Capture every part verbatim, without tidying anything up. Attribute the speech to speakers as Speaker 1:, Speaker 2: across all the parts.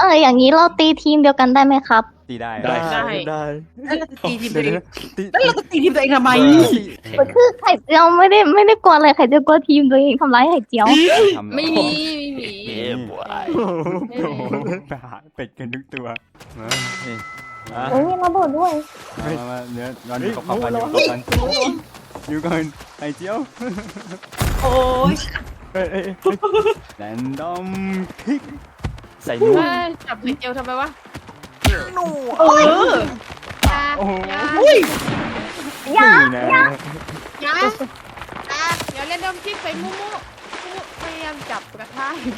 Speaker 1: ออย่างนี้เราตีทีมเดียวกันได้ไหมครับ
Speaker 2: ตีได้
Speaker 3: ได้
Speaker 4: ได้
Speaker 3: ได้
Speaker 4: แล้วเราจะตีทีมตัวเอง
Speaker 2: ตี
Speaker 4: แล้วเราจะตีทีมตัวเองทำไม
Speaker 1: คือไข่เจียวไม่ได้ไม่ได้กลัวอะไรไข่เจียวกลัวทีมตัวเองทำร้ายไข่เจียว
Speaker 5: ไม่มีไม่มี
Speaker 2: เย้บวยโอ้โหไปหาเป็ดกันทุกตัวมานี่มา
Speaker 1: โอ้ยระเบิดด้วย
Speaker 2: มามาเนื้อย้อนอยู่กับกันอยู่กับกันอยู่กันไข่เจียว
Speaker 4: โอ้ย
Speaker 2: เอ้ยเอ้ยแรนดอมคลิกใส่นู
Speaker 5: เฮ้ยจับไข่เจียวทำไมวะ
Speaker 4: เออ
Speaker 5: อยา
Speaker 2: โอ้โห
Speaker 5: อยา
Speaker 4: อุ้ย
Speaker 1: ยา
Speaker 2: นี่นะ
Speaker 5: อยาอยาอย่าเล่นดมคิดใส่มุ้มุมุพยายามจับกระทะอยู่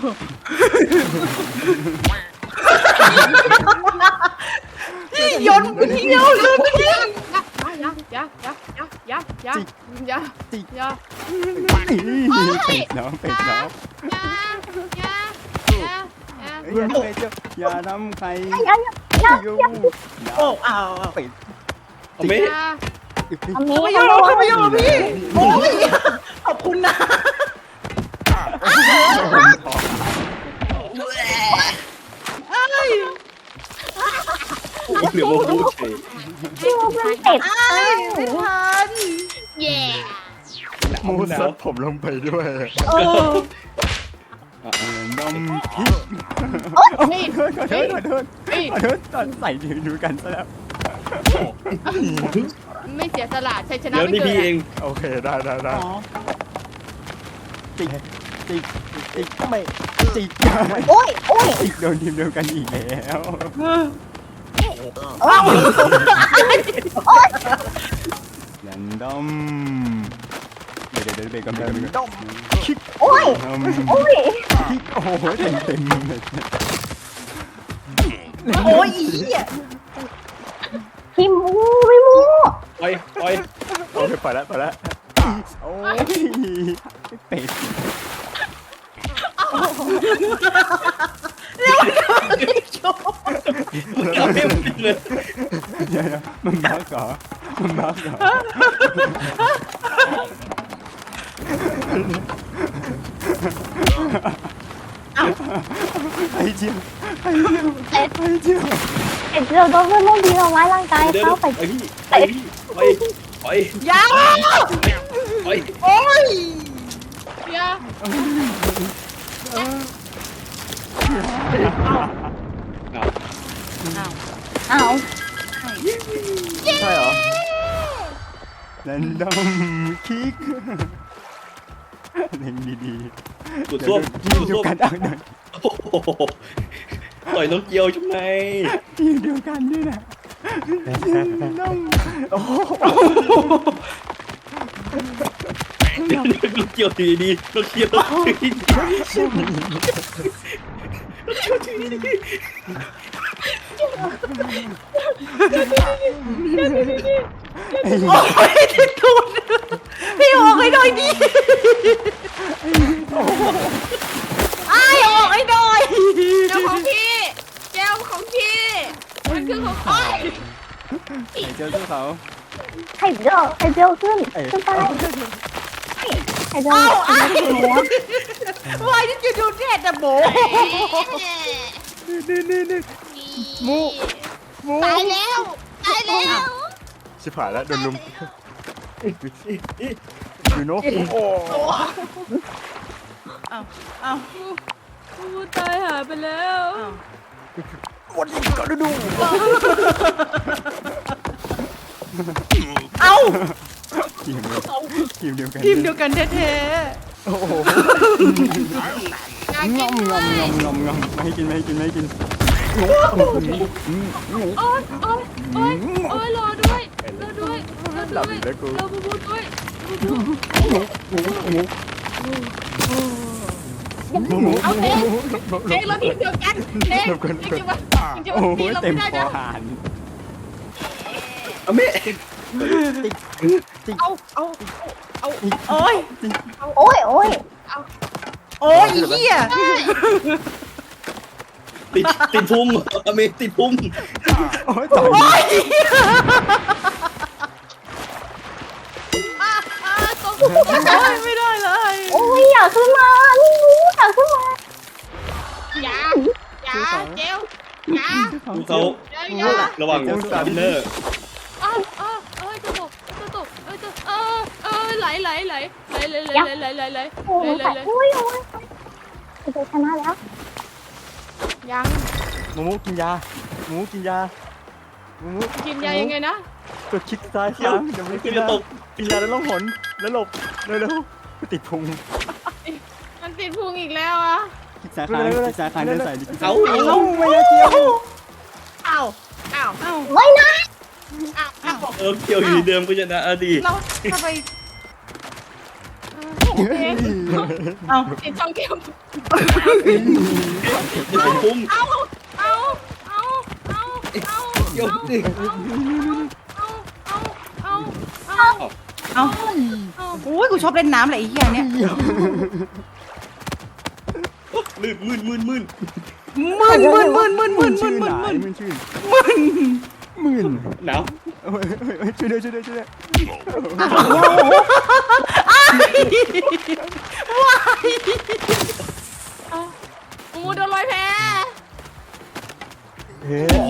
Speaker 4: พี่โยนพี่โยนเลยพี่
Speaker 5: อย่าอย่าอย่าอย่าอย่าอย่าอย่าอย่า
Speaker 2: เป็ดน้องเป็ดน้อง
Speaker 5: อย่าอย่าอย่าอย่า
Speaker 2: อย่าเป็ดเจ้าอย่าทำใคร
Speaker 1: ยา
Speaker 2: อยู่
Speaker 4: โอ้อ้าว
Speaker 2: เป็ด
Speaker 3: เอาไม่
Speaker 5: อย่า
Speaker 1: อันนี้
Speaker 4: ไม่โยนไม่โยนพี่โอ้ยขอบคุณนะ
Speaker 3: เหลือโมกุเฉย
Speaker 1: พี่ว่าเพื่อนเป็ด
Speaker 4: ไม่ทัน
Speaker 5: แย่
Speaker 2: มูสัดผมลงไปด้วย
Speaker 4: เออ
Speaker 2: แรนดอมคลิก
Speaker 5: นี่
Speaker 2: ขอโทษขอโทษขอโทษตอนใส่ยืนดูกันซะแล้ว
Speaker 5: ไม่เสียสละชัยชนะ
Speaker 3: เดี๋ยว
Speaker 5: ไม่
Speaker 3: นี่
Speaker 5: เกิ
Speaker 3: พี่
Speaker 5: ด
Speaker 3: เอง
Speaker 2: โอเคได้ได้ได้
Speaker 4: อ๋อ
Speaker 2: จิกจิกจิกไม่จิก
Speaker 1: โอ้ยโอ้ย
Speaker 2: จิกโดนทีมเดียวกันอีกแล้ว
Speaker 1: โอ้ย
Speaker 2: แรนดอมเดี๋ยวเดี๋ยวเดี๋ยวเบรกก่อนเบรกก่อนเบรกก่อนคลิก
Speaker 1: โอ้ย
Speaker 2: แรนดอม
Speaker 1: โอ้ย
Speaker 2: คลิกโอ้โหเต็มเต็มเลย
Speaker 4: โอ้ยอีอ่ะ
Speaker 1: พี่มูพี่มู
Speaker 3: ปล่อยปล่อย
Speaker 2: โอเคไปแล้วไปแล้วโอ้ยเป็ด
Speaker 3: เอาไม่หมดเลย
Speaker 2: เดี๋ยวนะมันบ้าเหรอมันบ้าเหรอไอ้เจียวไอ้เจียวไอ้เจียว
Speaker 1: ไข่เจียวโดนเพื่อนร่วมทีมทำร้ายร่างกาย
Speaker 3: เดี๋ยว
Speaker 1: เขา
Speaker 3: ไป
Speaker 1: ไข่
Speaker 3: พี่ไปพี่ไปไป
Speaker 4: ยา
Speaker 3: ไป
Speaker 4: โอ้ย
Speaker 5: อย่า
Speaker 1: อ้าว
Speaker 2: ใช่เหรอแรนดอมคลิกเล่นดีๆ
Speaker 3: สุดส้วม
Speaker 2: ทีม
Speaker 3: สุด
Speaker 2: เดียว
Speaker 3: ส้วม
Speaker 2: กันเอาหน่อย
Speaker 3: โอ้โหต่อยน้องเกียวใช่ไหม
Speaker 2: ทีมเดียวกันด้วยนะน้องโอ้โห
Speaker 3: น้องเกียวทีดีน้องเกียวทีดี
Speaker 2: ไอ้
Speaker 4: โอ้ยติดตูดพี่ออกให้หน่อยดิไอ้ออกให้หน่อย
Speaker 5: เจ้าของพี่เจ้าของพี่มันคือของพี่
Speaker 2: ไอ้เจ้าสู้เขา
Speaker 1: ไข่เจียวไข่เจียวขึ้น
Speaker 2: ไอ้
Speaker 1: ขึ้นไปไข่เจียว
Speaker 4: เอ้าไอ้
Speaker 1: ไข่เจียว
Speaker 4: วายนี่จะดูแดดแต่โบ
Speaker 2: นี่นี่นี่มูมู
Speaker 5: ตายแล้วตายแล้ว
Speaker 2: ชิบหายแล้วโดนลุมอยู่โน้โอ้
Speaker 4: เอ้าเอ้า
Speaker 5: กูตายหายไปแล้ว
Speaker 2: วันนี้ก็ดู
Speaker 4: เอ้า
Speaker 2: ทีมเดียวทีมเดียวกัน
Speaker 4: ทีมเดียวกันแท้
Speaker 2: โอ้โห
Speaker 5: อยาก
Speaker 2: ง
Speaker 5: กิ
Speaker 2: อน มง
Speaker 5: ด้
Speaker 2: อ
Speaker 5: ว
Speaker 2: ม
Speaker 5: ย
Speaker 2: งอมงอมงอมไม่ให้กินไม่ให้กินไม่ให้กิน
Speaker 5: โอ๊ยโอ๊ยโอ๊ยโอ๊ยรอด้วยรอด้วยรอด้วยรอบูบูด้วยบูบู
Speaker 2: หมู
Speaker 5: เอาเองเองเราทีมเดียวกันเองเองจะมาเองจะ
Speaker 2: โอ้
Speaker 5: มา
Speaker 2: โห
Speaker 5: ตีเรา
Speaker 2: เต็
Speaker 5: ไม่
Speaker 2: ม
Speaker 5: ได้
Speaker 2: คอ
Speaker 5: นะ
Speaker 2: หาน
Speaker 3: เอาไม่
Speaker 5: เอาเอาเอา
Speaker 4: ๆโอ้ย
Speaker 1: โอ้ยโอ้ย
Speaker 4: โอ้ยอีเหี้ย
Speaker 3: ติดติดพุงอเมติดพุง
Speaker 2: โอ้ยต่อย
Speaker 4: โอ้ย
Speaker 5: อ่ะอ่ะตรง
Speaker 4: โอ้ยไม่ได้เลย
Speaker 1: โอ้ยอยากขึ้นมานี่มูอยากขึ้นมา
Speaker 5: อย่าอย่าอย่าเจลอย่า
Speaker 3: เขา
Speaker 5: เจลอย่า
Speaker 3: ระหว่างสปินเนอร์
Speaker 5: อ้าวอ้าวเอ้ยจะตกจะตกเอ้ยจะเออเออไหลไหลไหลไหลไหลไหลไหลไหลไหล
Speaker 1: โอ้ย
Speaker 5: ไหล
Speaker 1: ไข่
Speaker 5: ไหล
Speaker 1: อุ้ยโอ้ยจะชนะแล้ว
Speaker 5: ยัง
Speaker 2: หมูหมูกินยาหมูกินยาหมูหมู
Speaker 5: กินยายังไงนะ
Speaker 2: กดคลิกซ้ายค้างเดี๋ยวไม่กินยากินยาแล้วล่องหนแล้วหลบเร็วๆติดพุง
Speaker 5: มันติดพุงอีกแล้วอ่ะ
Speaker 2: คลิกซ้ายค้างคลิกซ้ายค้างเดินใส่
Speaker 3: เอา
Speaker 2: เอ้าไม่ได้เจียว
Speaker 5: อ้าวอ้าวอ้าว
Speaker 1: ไม่นะ
Speaker 5: อ้าวอ้าว
Speaker 3: เออเกี่ยวอยู่เดิมก็ชนะอดี
Speaker 4: เราทำไม
Speaker 5: เอ้าติดช่องเกม
Speaker 3: จะพุ่ง
Speaker 5: เอาเอาเอาเอาเอา
Speaker 3: เกี่ยวดิ
Speaker 5: เอาเอาเอาเอา
Speaker 4: เอาโอ้ยกูชอบเล่นน้ำเลยไอ้เหี้ยเนี่ย
Speaker 3: ลื่นมื่นมื่นมื่น
Speaker 4: มึนมึนมึนมึนมึนมึ
Speaker 2: ชื่
Speaker 4: น
Speaker 2: อ
Speaker 4: มึ
Speaker 2: ห
Speaker 4: น
Speaker 2: นา
Speaker 4: มึน
Speaker 2: มึนชื่อ
Speaker 4: มึน
Speaker 2: มึน
Speaker 3: หนาว
Speaker 2: ช่วยด้วยช่วยด้วยช่วยด้วย
Speaker 5: มูโดนลอยแพ
Speaker 2: เฮ้ย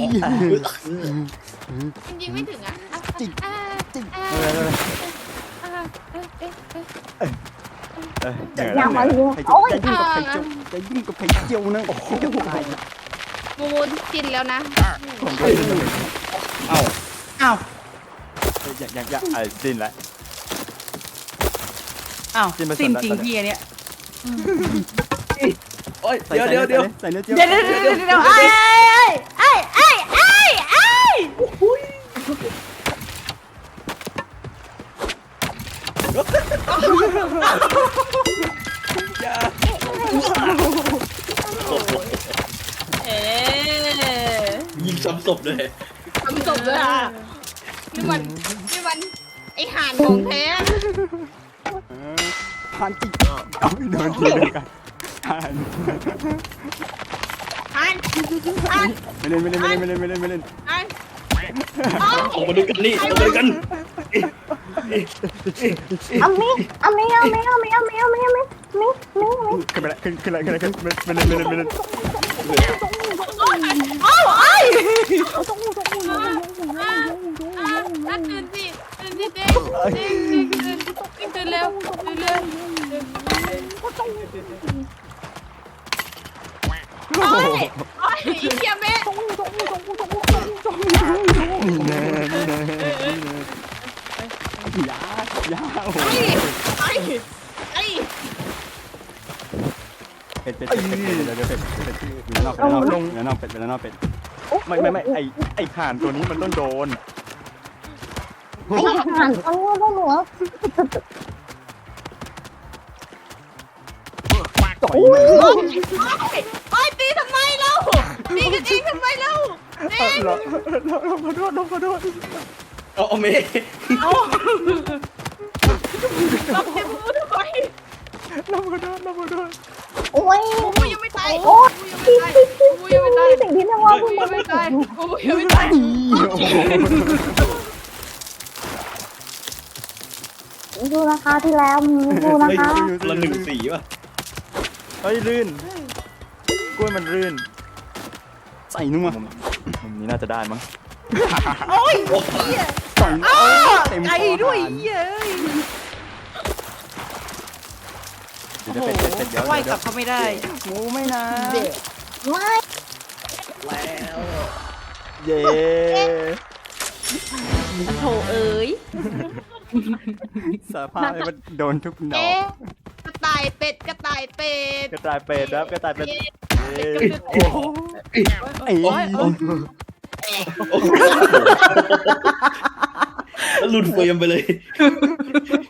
Speaker 5: จริงๆไม่ถึงอ่ะจริงจริง
Speaker 1: อย่ามาเยอะ
Speaker 2: ใคร
Speaker 1: โอ้ย
Speaker 2: จะยุ่งกับใครเจียวจะยุ่งกับใครเจียวนะโอ้โหตาย
Speaker 5: มูมูกินแล้วนะ
Speaker 2: ผมด้วย
Speaker 3: เอ้า
Speaker 4: อ้าว
Speaker 2: อยากอยากอยากไอ้สิ้นละ
Speaker 4: อ้าว
Speaker 2: จิ้มไป
Speaker 4: สิ้น
Speaker 2: ส่วน
Speaker 4: จริง
Speaker 2: นั้น
Speaker 4: เหี้ยเนี่ย
Speaker 3: โอ้ยเดี๋ยวเดี๋ยวเดี๋ยว
Speaker 2: ใส่เนื้อเจียว
Speaker 4: เดี๋ยวเดี๋ยวเดี๋ยวเดี๋ยวไอ้ไอ้ไอ้ไอ้ไอ้
Speaker 5: เอ๊ะ
Speaker 3: ยิงซ้ำศพเลย
Speaker 5: ทำจบเลยอ่ะนี่มันนี่มันไอห่านของแท้
Speaker 2: ผ่านจิกเอาโดนทีเดียวกันผ่าน
Speaker 5: ห่านห่าน
Speaker 2: ไม่เล่นไม่เล่นไม่เล่นไม่เล่นไม่เล่น
Speaker 5: ห่าน
Speaker 3: ออกมาดูกันนี่ออกมาดูกัน
Speaker 1: เอามีเอามีเอามีเอามีเอามีเอามีเอามีมีมีมี
Speaker 2: ขึ้นไปละขึ้นขึ้นละขึ้นละขึ้นไม่เล่นไม่เล่นไม่เล่น
Speaker 4: อ้าวไอ้
Speaker 5: อ่ะตื่นสิตื่นสิเด็กเด็กเด็กตื่นตื่นเร็วตื่นเร็วโอ้ยโอ้ยอีเกียเมะ
Speaker 2: นี่แน่นี่แน่ยายาโอ้โห
Speaker 5: ไอ้ไอ้
Speaker 2: เป็ดเป็ดเป็ดเป็ดเดี๋ยวเดี๋ยวเป็ดเป็ดอยู่นอกเป็ดนอกลงนอกเป็ดเป็นนอกเป็ดไม่ไม่ไม่ไอไอข่านตัวนี้มันต้องโดน
Speaker 1: ไอ้ห่านเอาหัวหัว
Speaker 2: ต่อย
Speaker 5: โอ้ยตีทำไมเล่าตีกันเองทำไมเล่าเด็ก
Speaker 2: เราเราเราขอโทษเราขอโทษ
Speaker 3: เอาเอาเมย์
Speaker 5: เราเจ็บมือทำไม
Speaker 2: เราขอโทษเราขอโทษ
Speaker 1: โอ้ย
Speaker 5: มูยังไม่ตาย
Speaker 1: โอ้ย
Speaker 5: มูยังไม่ตาย
Speaker 1: สิ่งที่นว่าพูด
Speaker 5: มู
Speaker 1: มา
Speaker 5: ยัง
Speaker 1: ไม่
Speaker 5: ไม่
Speaker 1: ตา
Speaker 5: ตาย ยมูยังไม่ตาย
Speaker 1: ดูราคาที่แล้วดูราคา
Speaker 3: ละหนึ่งสีป่ะ
Speaker 2: เฮ้ยลื่นกล้วยมันลื่นใส่นุ่มอ่ะมุมนี้น่าจะได้มั้ง
Speaker 4: โอ้ย
Speaker 2: สองเต็ม
Speaker 4: ไอ้ด้วยเหี้ย
Speaker 2: เดี๋ยวเป็ดเป็ดเป็ดเดี๋ยว
Speaker 4: ไหวกลับเขาไม่ได้
Speaker 2: หมูไม่นะ
Speaker 1: ไม่
Speaker 2: เย้
Speaker 4: โถเอ้ย
Speaker 2: สารภาพเลยมันโดนทุกดอก
Speaker 5: เอ๊ะกระต่ายเป็ดกระต่ายเป็ด
Speaker 2: กระต่ายเป็ดครับกระต่ายเป็ด
Speaker 5: โอ้โห
Speaker 2: ไอ้
Speaker 3: แล้วหลุดเฟรมไปเลย